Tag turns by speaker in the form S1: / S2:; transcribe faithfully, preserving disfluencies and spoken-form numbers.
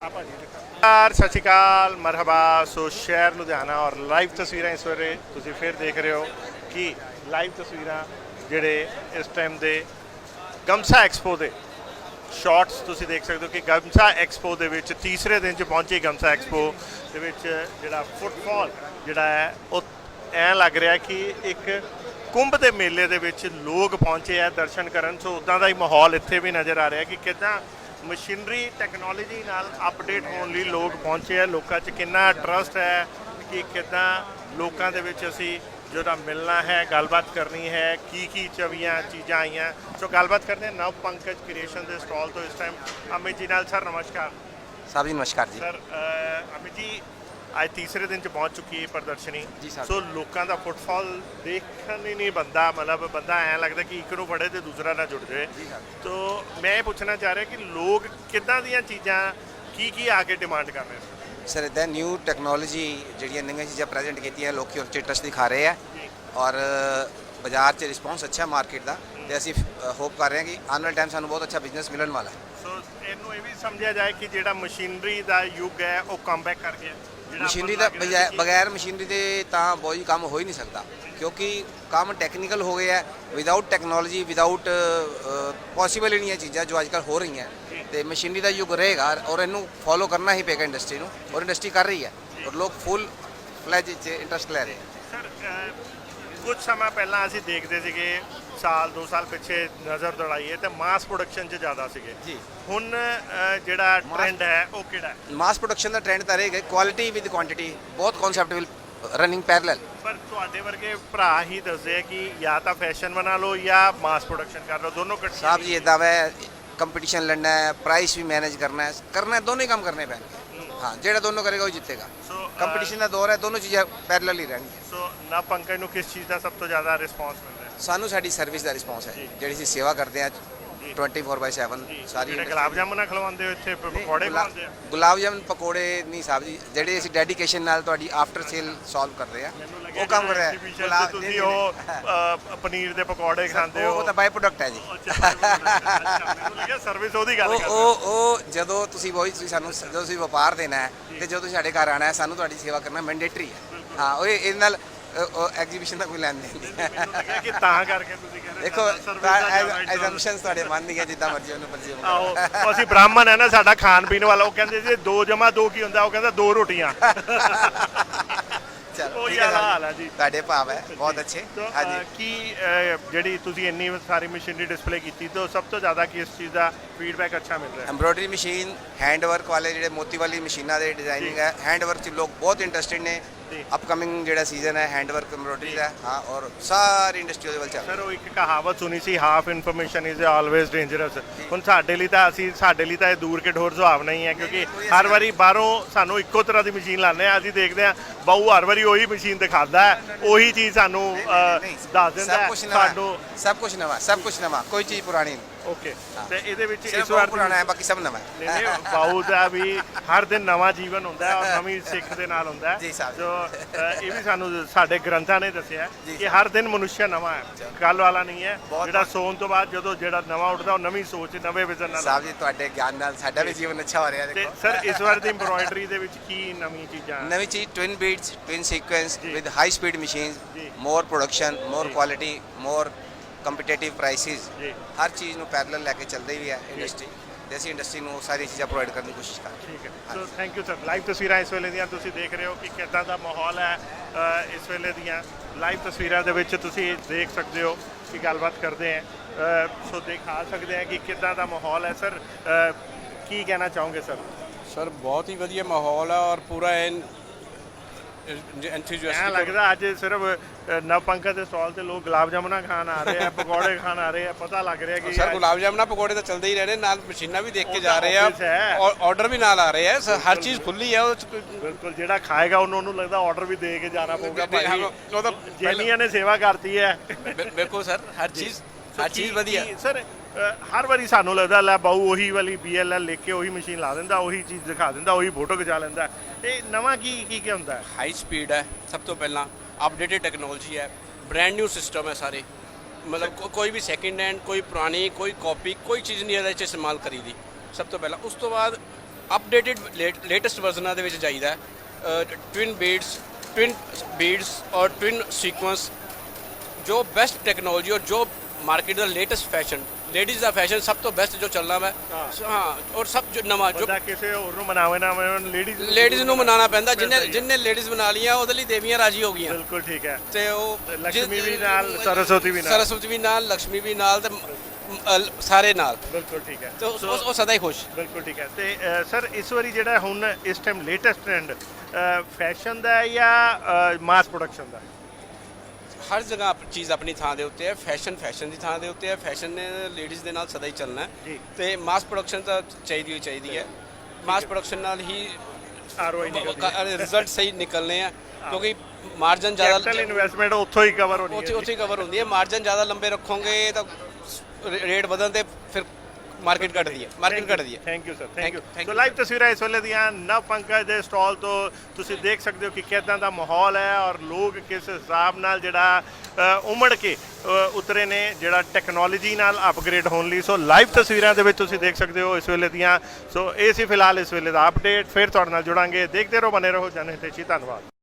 S1: यार सत श्रीकाल मरहबा। सो शहर लुधियाना और लाइव तस्वीर इस वे तुम फिर देख रहे हो कि लाइव तस्वीर जोड़े इस टाइम के गमसा एक्सपो के शॉट्स तुम देख सकते हो कि गमसा एक्सपो के तीसरे दिन च पहुंची गमसा एक्सपो के जोड़ा फुटफॉल जोड़ा है वो ऐ लग रहा कि एक कुंभ के मेले के लोग पहुंचे है दर्शन करन। सो उदा का ही माहौल इत्थे भी नज़र आ रहा है कि कितना मशीनरी टैक्नोलॉजी नाल अपडेट होने लिए लोग पहुंचे हैं। लोगों च कितना ट्रस्ट है कि कितना लोगों के विच असी जोड़ा मिलना है, गलबात करनी है, की की चवियाँ चीज़ां आईयां। सो गलबात करते हैं नव पंकज क्रिएशन के स्टॉल तो इस टाइम अमित जी नाल। सर नमस्कार।
S2: साहब जी नमस्कार जी।
S1: सर अ, अमित जी आज तीसरे दिन च पहुंच चुकी है प्रदर्शनी
S2: जी साहब।
S1: सो लोगों का फुटफॉल देखने ही नहीं बनता, मतलब बंदा ऐ लगता कि एक नूं फड़े तो दूसरा ना जुड़ जाए। तो मैं ये पूछना चाह रहा कि लोग किदां दियां चीज़ां की की आके डिमांड कर रहे हैं।
S2: सर इदा न्यू टैक्नोलॉजी जिहड़ियां नवीं चीज़ां प्रेजेंट की लोग उस इंटरस्ट दिखा रहे हैं और बाजार च रिस्पॉन्स अच्छा मार्केट का। तो असी होप कर रहे हैं कि आने वाले टाइम सानू बहुत अच्छा बिजनेस मिलने वाला है।
S1: सो इनू ये भी समझा जाए कि जिहड़ा मशीनरी का युग है वो कम बैक कर गया।
S2: मशीनरी का बगैर मशीनरी के तो बहुत ही काम हो ही नहीं सकता क्योंकि काम टैक्नीकल हो गया है। विदाउट टैक्नोलॉजी विदाउट पॉसीबल ही नहीं है चीज़ां जो आजकल हो रही हैं। तो मशीनरी का युग रहेगा और इनू फॉलो करना ही पेगा इंडस्ट्री को, और इंडस्ट्री कर रही है और लोग फुल फ्लैज इंटरस्ट ले रहे हैं।
S1: सर कुछ समय पहला असी देखते थे साल दो साल पिछे नज़र दौड़ाइए तो मास प्रोडक्शन च ज़्यादा सीगे
S2: जी।
S1: हुण जिहड़ा ट्रेंड है वो किहड़ा है?
S2: मास प्रोडक्शन का ट्रेंड तो रहेगा, क्वालिटी विद क्वांटिटी बहुत कॉन्सैप्ट विल रनिंग पैरेलल।
S1: पर तुहाडे वर्गे भरा ही दसदे कि या तो फैशन बना लो या मास प्रोडक्शन कर लो, दोनों कट्ठे।
S2: साहब जी इदा वै कंपटीशन लड़ना है, प्राइस भी मैनेज करना है, करना है दोनों ही काम करने पैंगे। हाँ जेड़ा दोनों करेगा वो जीतेगा।
S1: सो
S2: कंपटीशन का दौर है, दोनों चीज़ें पैरेलल ही रहनी।
S1: सो ना पंकज नूं किस चीज़ का सब तो ज़्यादा रिस्पॉन्स मिल रहा है?
S2: सानू साडी सर्विस का रिस्पॉन्स है जिहड़ी असीं सेवा करते हैं ट्वेंटी फोर बाई सैवन सारी।
S1: ਜਿਹੜੇ ਗੁਲਾਬ ਜਾਮੁਨ ਖਲਵਾਉਂਦੇ ਹੋ ਇੱਥੇ ਪਕੌੜੇ ਖਵਾਉਂਦੇ ਆ?
S2: गुलाब जामुन पकौड़े नहीं साहब जी, ਜਿਹੜੇ ਅਸੀਂ ਡੈਡੀਕੇਸ਼ਨ ਨਾਲ ਤੁਹਾਡੀ ਆਫਟਰ ਸੇਲ ਸੋਲਵ ਕਰ ਰਹੇ ਆ ਉਹ ਕੰਮ ਕਰ ਰਿਹਾ ਹੈ।
S1: ਤੁਸੀਂ ਉਹ ਅ, ਪਨੀਰ ਦੇ ਪਕੌੜੇ ਖਾਂਦੇ ਹੋ
S2: ਉਹ ਤਾਂ ਬਾਈ ਪ੍ਰੋਡਕਟ ਹੈ ਜੀ।
S1: ਮੈਨੂੰ ਲੱਗਿਆ ਸਰਵਿਸ ਉਹਦੀ ਗੱਲ
S2: ਉਹ
S1: ਕਰਦੇ
S2: ਉਹ ਉਹ ਜਦੋਂ ਤੁਸੀਂ ਵਹੀ ਤੁਸੀਂ ਸਾਨੂੰ ਜਦੋਂ ਤੁਸੀਂ ਵਪਾਰ ਦੇਣਾ ਹੈ ਤੇ ਜਦੋਂ ਤੁਸੀਂ ਸਾਡੇ ਘਰ ਆਣਾ ਹੈ ਸਾਨੂੰ ਤੁਹਾਡੀ ਸੇਵਾ ਕਰਨਾ ਮੈਂਡੇਟਰੀ ਹੈ। ਹਾਂ ਉਹ ਇਹਦੇ ਨਾਲ ਐਗਜ਼ੀਬਿਸ਼ਨ ਦਾ ਕੋਈ ਲੈਣ ਦੇਣ ਨਹੀਂ।
S1: ਮੈਨੂੰ ਲੱਗਿਆ ਕਿ ਤਾਂ ਕਰਕੇ ਤੁਸੀਂ ਕਹਿੰਦੇ
S2: ਦੇਖੋ ਐਜ਼ੰਪਸ਼ਨਸ ਤੁਹਾਡੇ ਮਨ ਦੀਆਂ ਜਿੱਦਾਂ ਮਰਜ਼ੀ ਉਹਨੂੰ ਪਰਸੀਵ
S1: ਆਹੋ ਉਹ ਅਸੀਂ ਬ੍ਰਾਹਮਣ ਹੈ ਨਾ, ਸਾਡਾ ਖਾਣ ਪੀਣ ਵਾਲਾ। ਉਹ ਕਹਿੰਦੇ ਜੀ ਦੋ ਜਮਾ ਦੋ ਕੀ ਹੁੰਦਾ? ਉਹ ਕਹਿੰਦਾ ਦੋ ਰੋਟੀਆਂ।
S2: ਚਲੋ
S1: ਉਹ
S2: ਠੀਕ
S1: ਯਾਰ
S2: ਹੈ
S1: ਹਾਲ ਹੈ ਜੀ।
S2: ਤੁਹਾਡੇ ਭਾਵ ਹੈ ਬਹੁਤ ਅੱਛੇ।
S1: तो,
S2: ਹਾਂਜੀ
S1: अ, की अ, ਜਿਹੜੀ ਤੁਸੀਂ ਇੰਨੀ ਸਾਰੀ ਮਸ਼ੀਨਰੀ ਡਿਸਪਲੇ ਕੀਤੀ ਤਾਂ ਸਭ ਤੋਂ ਜ਼ਿਆਦਾ ਕਿਸ ਚੀਜ਼ ਦਾ ਫੀਡਬੈਕ ਅੱਛਾ ਮਿਲ ਰਿਹਾ ਹੈ?
S2: ਐਮਬਰੋਇਡਰੀ ਮਸ਼ੀਨ, ਹੈਂਡ ਵਰਕ ਵਾਲੇ ਜਿਹੜੇ ਮੋਤੀ ਵਾਲੀ ਮਸ਼ੀਨਾਂ ਦੇ ਡਿਜ਼ਾਈਨਿੰਗ ਹੈ, ਹੈਂਡ ਵਰਕ 'ਚ ਲੋਕ ਬਹੁਤ ਇੰਟਰਸਟਿਡ ਨੇ। ਅਪਕਮਿੰਗ ਜਿਹੜਾ ਸੀਜ਼ਨ ਹੈ ਹੈਂਡ ਵਰਕ ਐਮਬਰੋਇਡਰੀ ਦਾ। ਹਾਂ ਔਰ ਸਾਰੀ ਇੰਡਸਟਰੀ ਉਹਦੇ ਵੱਲ ਚੱਲ
S1: ਸਰ ਉਹ ਇੱਕ ਕਹਾਵਤ ਸੁਣੀ ਸੀ, half information is always dangerous. ਹੁਣ ਸਾਡੇ ਲਈ ਤਾਂ ਅਸੀਂ ਸਾਡੇ ਲਈ ਤਾਂ ਇਹ ਦੂਰ ਕੇ ਢੋਰ ਸੁਹਾਵ ਨਹੀਂ ਹੈ ਕਿਉਂਕਿ ਹਰ ਵਾਰੀ ਬਾਹਰੋਂ ਸਾਨੂੰ ਇੱਕੋ ਤਰ੍ਹਾਂ ਦੀ ਮਸ਼ੀਨ ਲਾਉਂਦੇ ਆ। ਅਸੀਂ ਦੇਖਦੇ ਹਾਂ ਬਾਊ ਹਰ ਵਾਰੀ ਉਹੀ ਮਸ਼ੀਨ ਦਿਖਾਉਂਦਾ ਹੈ, ਉਹੀ ਚੀਜ਼ ਸਾਨੂੰ ਅ, ਦੱਸ ਦਿੰਦਾ
S2: ਸਭ
S1: ਹੈ
S2: ਕੁਝ ਨਵਾਂ
S1: ਸਾਨੂੰ।
S2: ਸਭ ਕੁਝ ਨਵਾਂ ਸਭ ਕੁਝ ਨਵਾਂ ਕੋਈ ਚੀਜ਼ ਪੁਰਾਣੀ ਨਹੀਂ।
S1: ਓਕੇ ਤੇ ਇਹਦੇ ਵਿੱਚ
S2: ਸਿਰਫ
S1: ਇਸ ਵਾਰ
S2: ਪੁਰਾਣਾ ਹੈ ਬਾਕੀ ਸਭ ਨਵਾਂ ਹੈ।
S1: ਨਹੀਂ ਨਹੀਂ ਬਾਊ ਦਾ ਵੀ ਹਰ ਦਿਨ ਨਵਾਂ ਜੀਵਨ ਹੁੰਦਾ ਹੈ ਔਰ ਨਵੀਂ ਸਿੱਖ ਦੇ ਨਾਲ ਹੁੰਦਾ ਹੈ।
S2: ਜੀ ਸਾਹਿਬ।
S1: ਜੋ ਅ, ਇਹ ਵੀ ਸਾਨੂੰ ਸਾਡੇ ਗ੍ਰੰਥਾਂ ਨੇ ਦੱਸਿਆ
S2: ਜੀ
S1: ਕਿ ਹਰ ਦਿਨ ਮਨੁੱਖ ਨਵਾਂ ਹੈ, ਕੱਲ ਵਾਲਾ ਨਹੀਂ ਹੈ।
S2: ਬਹੁਤ
S1: ਜਿਹੜਾ ਸੌਣ ਤੋਂ ਬਾਅਦ ਜਦੋਂ ਜਿਹੜਾ ਨਵਾਂ ਉੱਠਦਾ ਉਹ ਨਵੀਂ ਸੋਚ ਨਵੇਂ ਵਿਜ਼ਨ ਨਾਲ।
S2: ਸਾਹਿਬ ਜੀ ਤੁਹਾਡੇ ਗਿਆਨ ਨਾਲ ਸਾਡਾ ਵੀ ਜੀਵਨ ਅੱਛਾ ਹੋ ਰਿਹਾ
S1: ਤੇ
S2: ਦੇਖੋ।
S1: ਸਰ ਇਸ ਵਾਰ ਦੀ ਐਮਬਰੋਇਡਰੀ ਦੇ ਵਿੱਚ ਕੀ ਨਵੀਂ ਚੀਜ਼ਾਂ?
S2: ਨਵੀਂ ਚੀਜ਼ ਟਵਿਨ ਬੀਟਸ, ਟਵਿਨ ਸੀਕੁਐਂਸ
S1: ਜੀ।
S2: ਵਿਦ ਹਾਈ ਸਪੀਡ ਮਸ਼ੀਨਸ,
S1: ਜੀ।
S2: ਮੋਰ ਪ੍ਰੋਡਕਸ਼ਨ, ਮੋਰ
S1: ਜੀ।
S2: Quality, more competitive prices.
S1: ਜੀ
S2: ਹਰ ਚੀਜ਼ ਨੂੰ ਪੈਰਲਲ ਲੈ ਕੇ ਚੱਲਦੀ ਵੀ ਹੈ ਇੰਡਸਟਰੀ ਤੇ ਅਸੀਂ ਇੰਡਸਟਰੀ ਨੂੰ ਸਾਰੀ ਚੀਜ਼ਾਂ ਪ੍ਰੋਵਾਈਡ ਕਰਨ ਦੀ ਕੋਸ਼ਿਸ਼ ਕਰ ਰਹੇ
S1: ਠੀਕ ਹੈ। So thank you sir. Live ਤਸਵੀਰਾਂ ਇਸ ਵੇਲੇ ਦੀਆਂ ਤੁਸੀਂ ਦੇਖ ਰਹੇ ਹੋ ਕਿ ਕਿੱਦਾਂ ਦਾ ਮਾਹੌਲ ਹੈ ਅ, ਇਸ ਵੇਲੇ ਦੀਆਂ ਲਾਈਵ ਤਸਵੀਰਾਂ ਦੇ ਵਿੱਚ ਤੁਸੀਂ ਦੇਖ ਸਕਦੇ ਹੋ ਕਿ ਗੱਲਬਾਤ ਕਰਦੇ ਹਾਂ। ਸੋ ਦਿਖਾ ਸਕਦੇ ਹਾਂ ਕਿ ਕਿੱਦਾਂ ਦਾ ਮਾਹੌਲ ਹੈ। ਸਰ ਅ, ਕੀ ਕਹਿਣਾ ਚਾਹੋਗੇ ਸਰ?
S3: ਸਰ ਬਹੁਤ ਹੀ ਵਧੀਆ ਮਾਹੌਲ ਆ ਔਰ ਪੂਰਾ ਐਨ
S1: ਐਂ
S3: ਐਂਥੂਸੀਆਸਟਿਕ।
S1: ਲੱਗਦਾ ਅੱਜ ਸਿਰਫ ਅ, ਨਵ ਪੰਕਜ ਦੇ ਸਟਾਲ ਤੇ ਲੋਕ ਗੁਲਾਬ ਜਾਮੁਨਾਂ ਖਾਣ ਆ ਰਹੇ ਆ, ਪਕੌੜੇ ਖਾਣ ਆ ਰਹੇ ਆ। ਪਤਾ ਲੱਗ ਰਿਹਾ ਕਿ
S3: ਸਰ ਗੁਲਾਬ ਜਾਮਨਾ ਪਕੌੜੇ ਤਾਂ ਚੱਲਦੇ ਹੀ ਰਹੇ, ਨਾਲ ਮਸ਼ੀਨਾਂ ਵੀ ਦੇਖ ਕੇ ਜਾ ਰਹੇ ਆ,
S1: office ਹੈ।
S3: ਆਰਡਰ ਵੀ ਨਾਲ ਆ ਰਹੇ ਆ। ਸਰ ਹਰ ਚੀਜ਼ ਖੁੱਲੀ ਆ। ਉਹ 'ਚ ਕੋਈ-
S1: ਬਿਲਕੁਲ ਜਿਹੜਾ ਖਾਏਗਾ ਉਹਨੂੰ ਉਹਨੂੰ ਲੱਗਦਾ ਆਰਡਰ ਵੀ ਦੇ ਕੇ ਜਾਣਾ ਪਊਗਾ
S3: ਦੇ- ਹਾਂ,
S1: ਭਾਈ।
S3: ਉਹ ਤਾਂ
S1: ਜੈਨੀਆਂ ਨੇ ਸੇਵਾ ਕਰਤੀ ਹੈ।
S3: ਬਿ- ਬਿਲਕੁਲ ਸਰ ਹਰ ਚੀਜ਼ ਹਰ ਚੀਜ਼
S1: ਕੀ-
S3: ਵਧੀਆ।
S1: ਕੀ- ਸਰ ਅ, ਹਰ ਵਾਰੀ ਸਾਨੂੰ ਲੱਗਦਾ ਲੈ ਬਾਊ ਉਹੀ ਵਾਲੀ ਬੀ ਐਲ ਐਲ ਲਿਖ ਕੇ ਉਹੀ ਮਸ਼ੀਨ ਲਾ ਦਿੰਦਾ, ਉਹੀ ਚੀਜ਼ ਦਿਖਾ ਦਿੰਦਾ, ਉਹੀ ਫੋਟੋ ਖਿਚਾ ਲੈਂਦਾ। ਇਹ ਨਵਾਂ ਕੀ ਕੀ ਕੀ ਹੁੰਦਾ ਹੈ?
S3: ਹਾਈ ਸਪੀਡ ਹੈ ਸਭ ਤੋਂ ਪਹਿਲਾਂ, ਅਪਡੇਟਡ ਟੈਕਨੋਲੋਜੀ ਹੈ, ਬ੍ਰਾਂਡ ਨਿਊ ਸਿਸਟਮ ਹੈ ਸਾਰੇ। ਮਤਲਬ ਕੋ- ਕੋਈ ਵੀ ਸੈਕਿੰਡ ਹੈਂਡ, ਕੋਈ ਪੁਰਾਣੀ, ਕੋਈ ਕਾਪੀ, ਕੋਈ ਚੀਜ਼ ਨਹੀਂ ਇਹਦੇ 'ਚ ਇਸਤੇਮਾਲ ਕਰੀ ਦੀ। ਸਭ ਤੋਂ ਪਹਿਲਾਂ ਉਸ ਤੋਂ ਬਾਅਦ ਅਪਡੇਟਡ ਲੇਟੈਸਟ ਵਰਜ਼ਨਾਂ ਦੇ ਵਿੱਚ ਜਾਈਦਾ ਟਵਿਨ ਬੀਡਸ ਟਵਿਨ ਬੀਡਸ ਔਰ ਟਵਿਨ ਸੀਕੁਐਂਸ ਜੋ ਬੈਸਟ ਟੈਕਨੋਲੋਜੀ ਔਰ ਜੋ ਮਾਰਕੀਟ ਦਾ ਲੇਟੈਸਟ ਫੈਸ਼ਨ ਲੇਡੀਜ਼ ਦਾ ਫੈਸ਼ਨ ਸਭ ਤੋਂ ਬੈਸਟ ਜੋ ਚੱਲਣਾ ਵਾ ਹਾਂ ਔਰ ਸਭ ਜੋ ਨਵਾਂ ਜੋ
S1: ਬੰਦਾ ਕਿਸੇ ਹੋਰ ਨੂੰ ਮਨਾਵੇ ਨਾ ਲੇਡੀਜ਼
S3: ਲੇਡੀਜ਼ ਨੂੰ ਮਨਾਉਣਾ ਪੈਂਦਾ ਜਿੰਨੇ ਜਿੰਨੇ ਲੇਡੀਜ਼ ਬਣਾ ਲਈਆਂ ਉਹਦੇ ਲਈ ਦੇਵੀਆਂ ਰਾਜੀ ਹੋ ਗਈਆਂ
S1: ਬਿਲਕੁਲ ਠੀਕ ਹੈ
S3: ਤੇ ਉਹ
S1: ਲక్ష్ਮੀ ਵੀ ਨਾਲ ਸਰਸਵਤੀ ਵੀ ਨਾਲ
S3: ਸਰਸਵਤੀ ਵੀ ਨਾਲ ਲక్ష్ਮੀ ਵੀ ਨਾਲ ਤੇ ਅ, ਸਾਰੇ ਨਾਲ
S1: ਬਿਲਕੁਲ ਠੀਕ ਹੈ
S3: ਤੇ ਉਹ ਉਹ- ਉਹ ਸਦਾ ਹੀ ਖੁਸ਼
S1: ਬਿਲਕੁਲ ਠੀਕ ਹੈ ਤੇ ਸਰ ਇਸ ਵਾਰੀ ਜਿਹੜਾ ਹੁਣ ਇਸ ਟਾਈਮ ਲੇਟੈਸਟ ਟ੍ਰੈਂਡ ਫੈਸ਼ਨ ਦਾ ਹੈ ਜਾਂ ਮਾਸ ਪ੍ਰੋਡਕਸ਼ਨ ਦਾ?
S3: ਹਰ ਜਗ੍ਹਾ ਆਪ- ਚੀਜ਼ ਆਪਣੀ ਥਾਂ ਦੇ ਉੱਤੇ ਹੈ ਫੈਸ਼ਨ ਫੈਸ਼ਨ ਦੀ ਥਾਂ ਦੇ ਉੱਤੇ ਹੈ ਫੈਸ਼ਨ ਨੇ ਲੇਡੀਜ਼ ਦੇ ਨਾਲ ਸਦਾ ਹੀ ਚੱਲਣਾ ਹੈ
S1: ਜੀ।
S3: ਤੇ ਮਾਸ ਪ੍ਰੋਡਕਸ਼ਨ ਤਾਂ ਚਾਹੀਦੀ ਹੋਈ ਚਾਹੀਦੀ ਹੈ ਮਾਸ ਪ੍ਰੋਡਕਸ਼ਨ ਨਾਲ ਹੀ
S1: ਆਰਓਆਈ ਨਿਕਲਦੀ
S3: ਰਿਜ਼ਲਟ ਸਹੀ ਨਿਕਲਨੇ ਆ ਕਿਉਂਕਿ ਮਾਰਜਨ ਜ਼ਿਆਦਾ
S1: ਕੈਪੀਟਲ ਇਨਵੈਸਟਮੈਂਟ ਉੱਥੋਂ ਹੀ ਕਵਰ ਹੋਣੀ
S3: ਉੱਥੇ
S1: ਹੈ
S3: ਉੱਥੇ ਕਵਰ ਹੁੰਦੀ ਹੈ ਮਾਰਜਨ ਜ਼ਿਆਦਾ ਲੰਬੇ ਰੱਖੋਗੇ ਤਾਂ ਰੇਟ ਵਧਣ ਤੇ ਫਿਰ ਮਾਰਕੀਟ ਘਟਦੀ ਹੈ ਮਾਰਕੀਟ ਘਟਦੀ ਹੈ
S1: thank you sir thank
S3: Thank
S1: you
S3: you, thank
S1: so
S3: you.
S1: Live ਤਸਵੀਰਾਂ ਇਸ ਵੇਲੇ ਦੀਆਂ ਨਵ ਪੰਕਜ ਦੇ ਸਟਾਲ ਤੋਂ ਤੁਸੀਂ ਦੇਖ ਸਕਦੇ ਹੋ ਕਿ ਕਿੱਦਾਂ ਦਾ ਮਾਹੌਲ ਹੈ ਔਰ ਲੋਕ ਕਿਸ ਹਿਸਾਬ ਨਾਲ ਜਿਹੜਾ ਅ, ਉਮੜ ਕੇ ਅ, ਉਤਰੇ ਨੇ ਜਿਹੜਾ ਟੈਕਨੋਲੋਜੀ ਨਾਲ ਅਪਗ੍ਰੇਡ ਹੋਣ ਲਈ। ਸੋ ਲਾਈਵ ਤਸਵੀਰਾਂ ਦੇ ਵਿੱਚ ਤੁਸੀਂ ਦੇਖ ਸਕਦੇ ਹੋ ਇਸ ਵੇਲੇ ਦੀਆਂ। ਸੋ ਇਹ ਸੀ ਫਿਲਹਾਲ ਇਸ ਵੇਲੇ ਦਾ ਅਪਡੇਟ। ਫਿਰ ਤੁਹਾਡੇ ਨਾਲ ਜੁੜਾਂਗੇ। ਦੇਖਦੇ ਰਹੋ, ਬਨੇ ਰਹੋ ਜਨ ਹਿਤੈਸ਼ੀ। ਧੰਨਵਾਦ।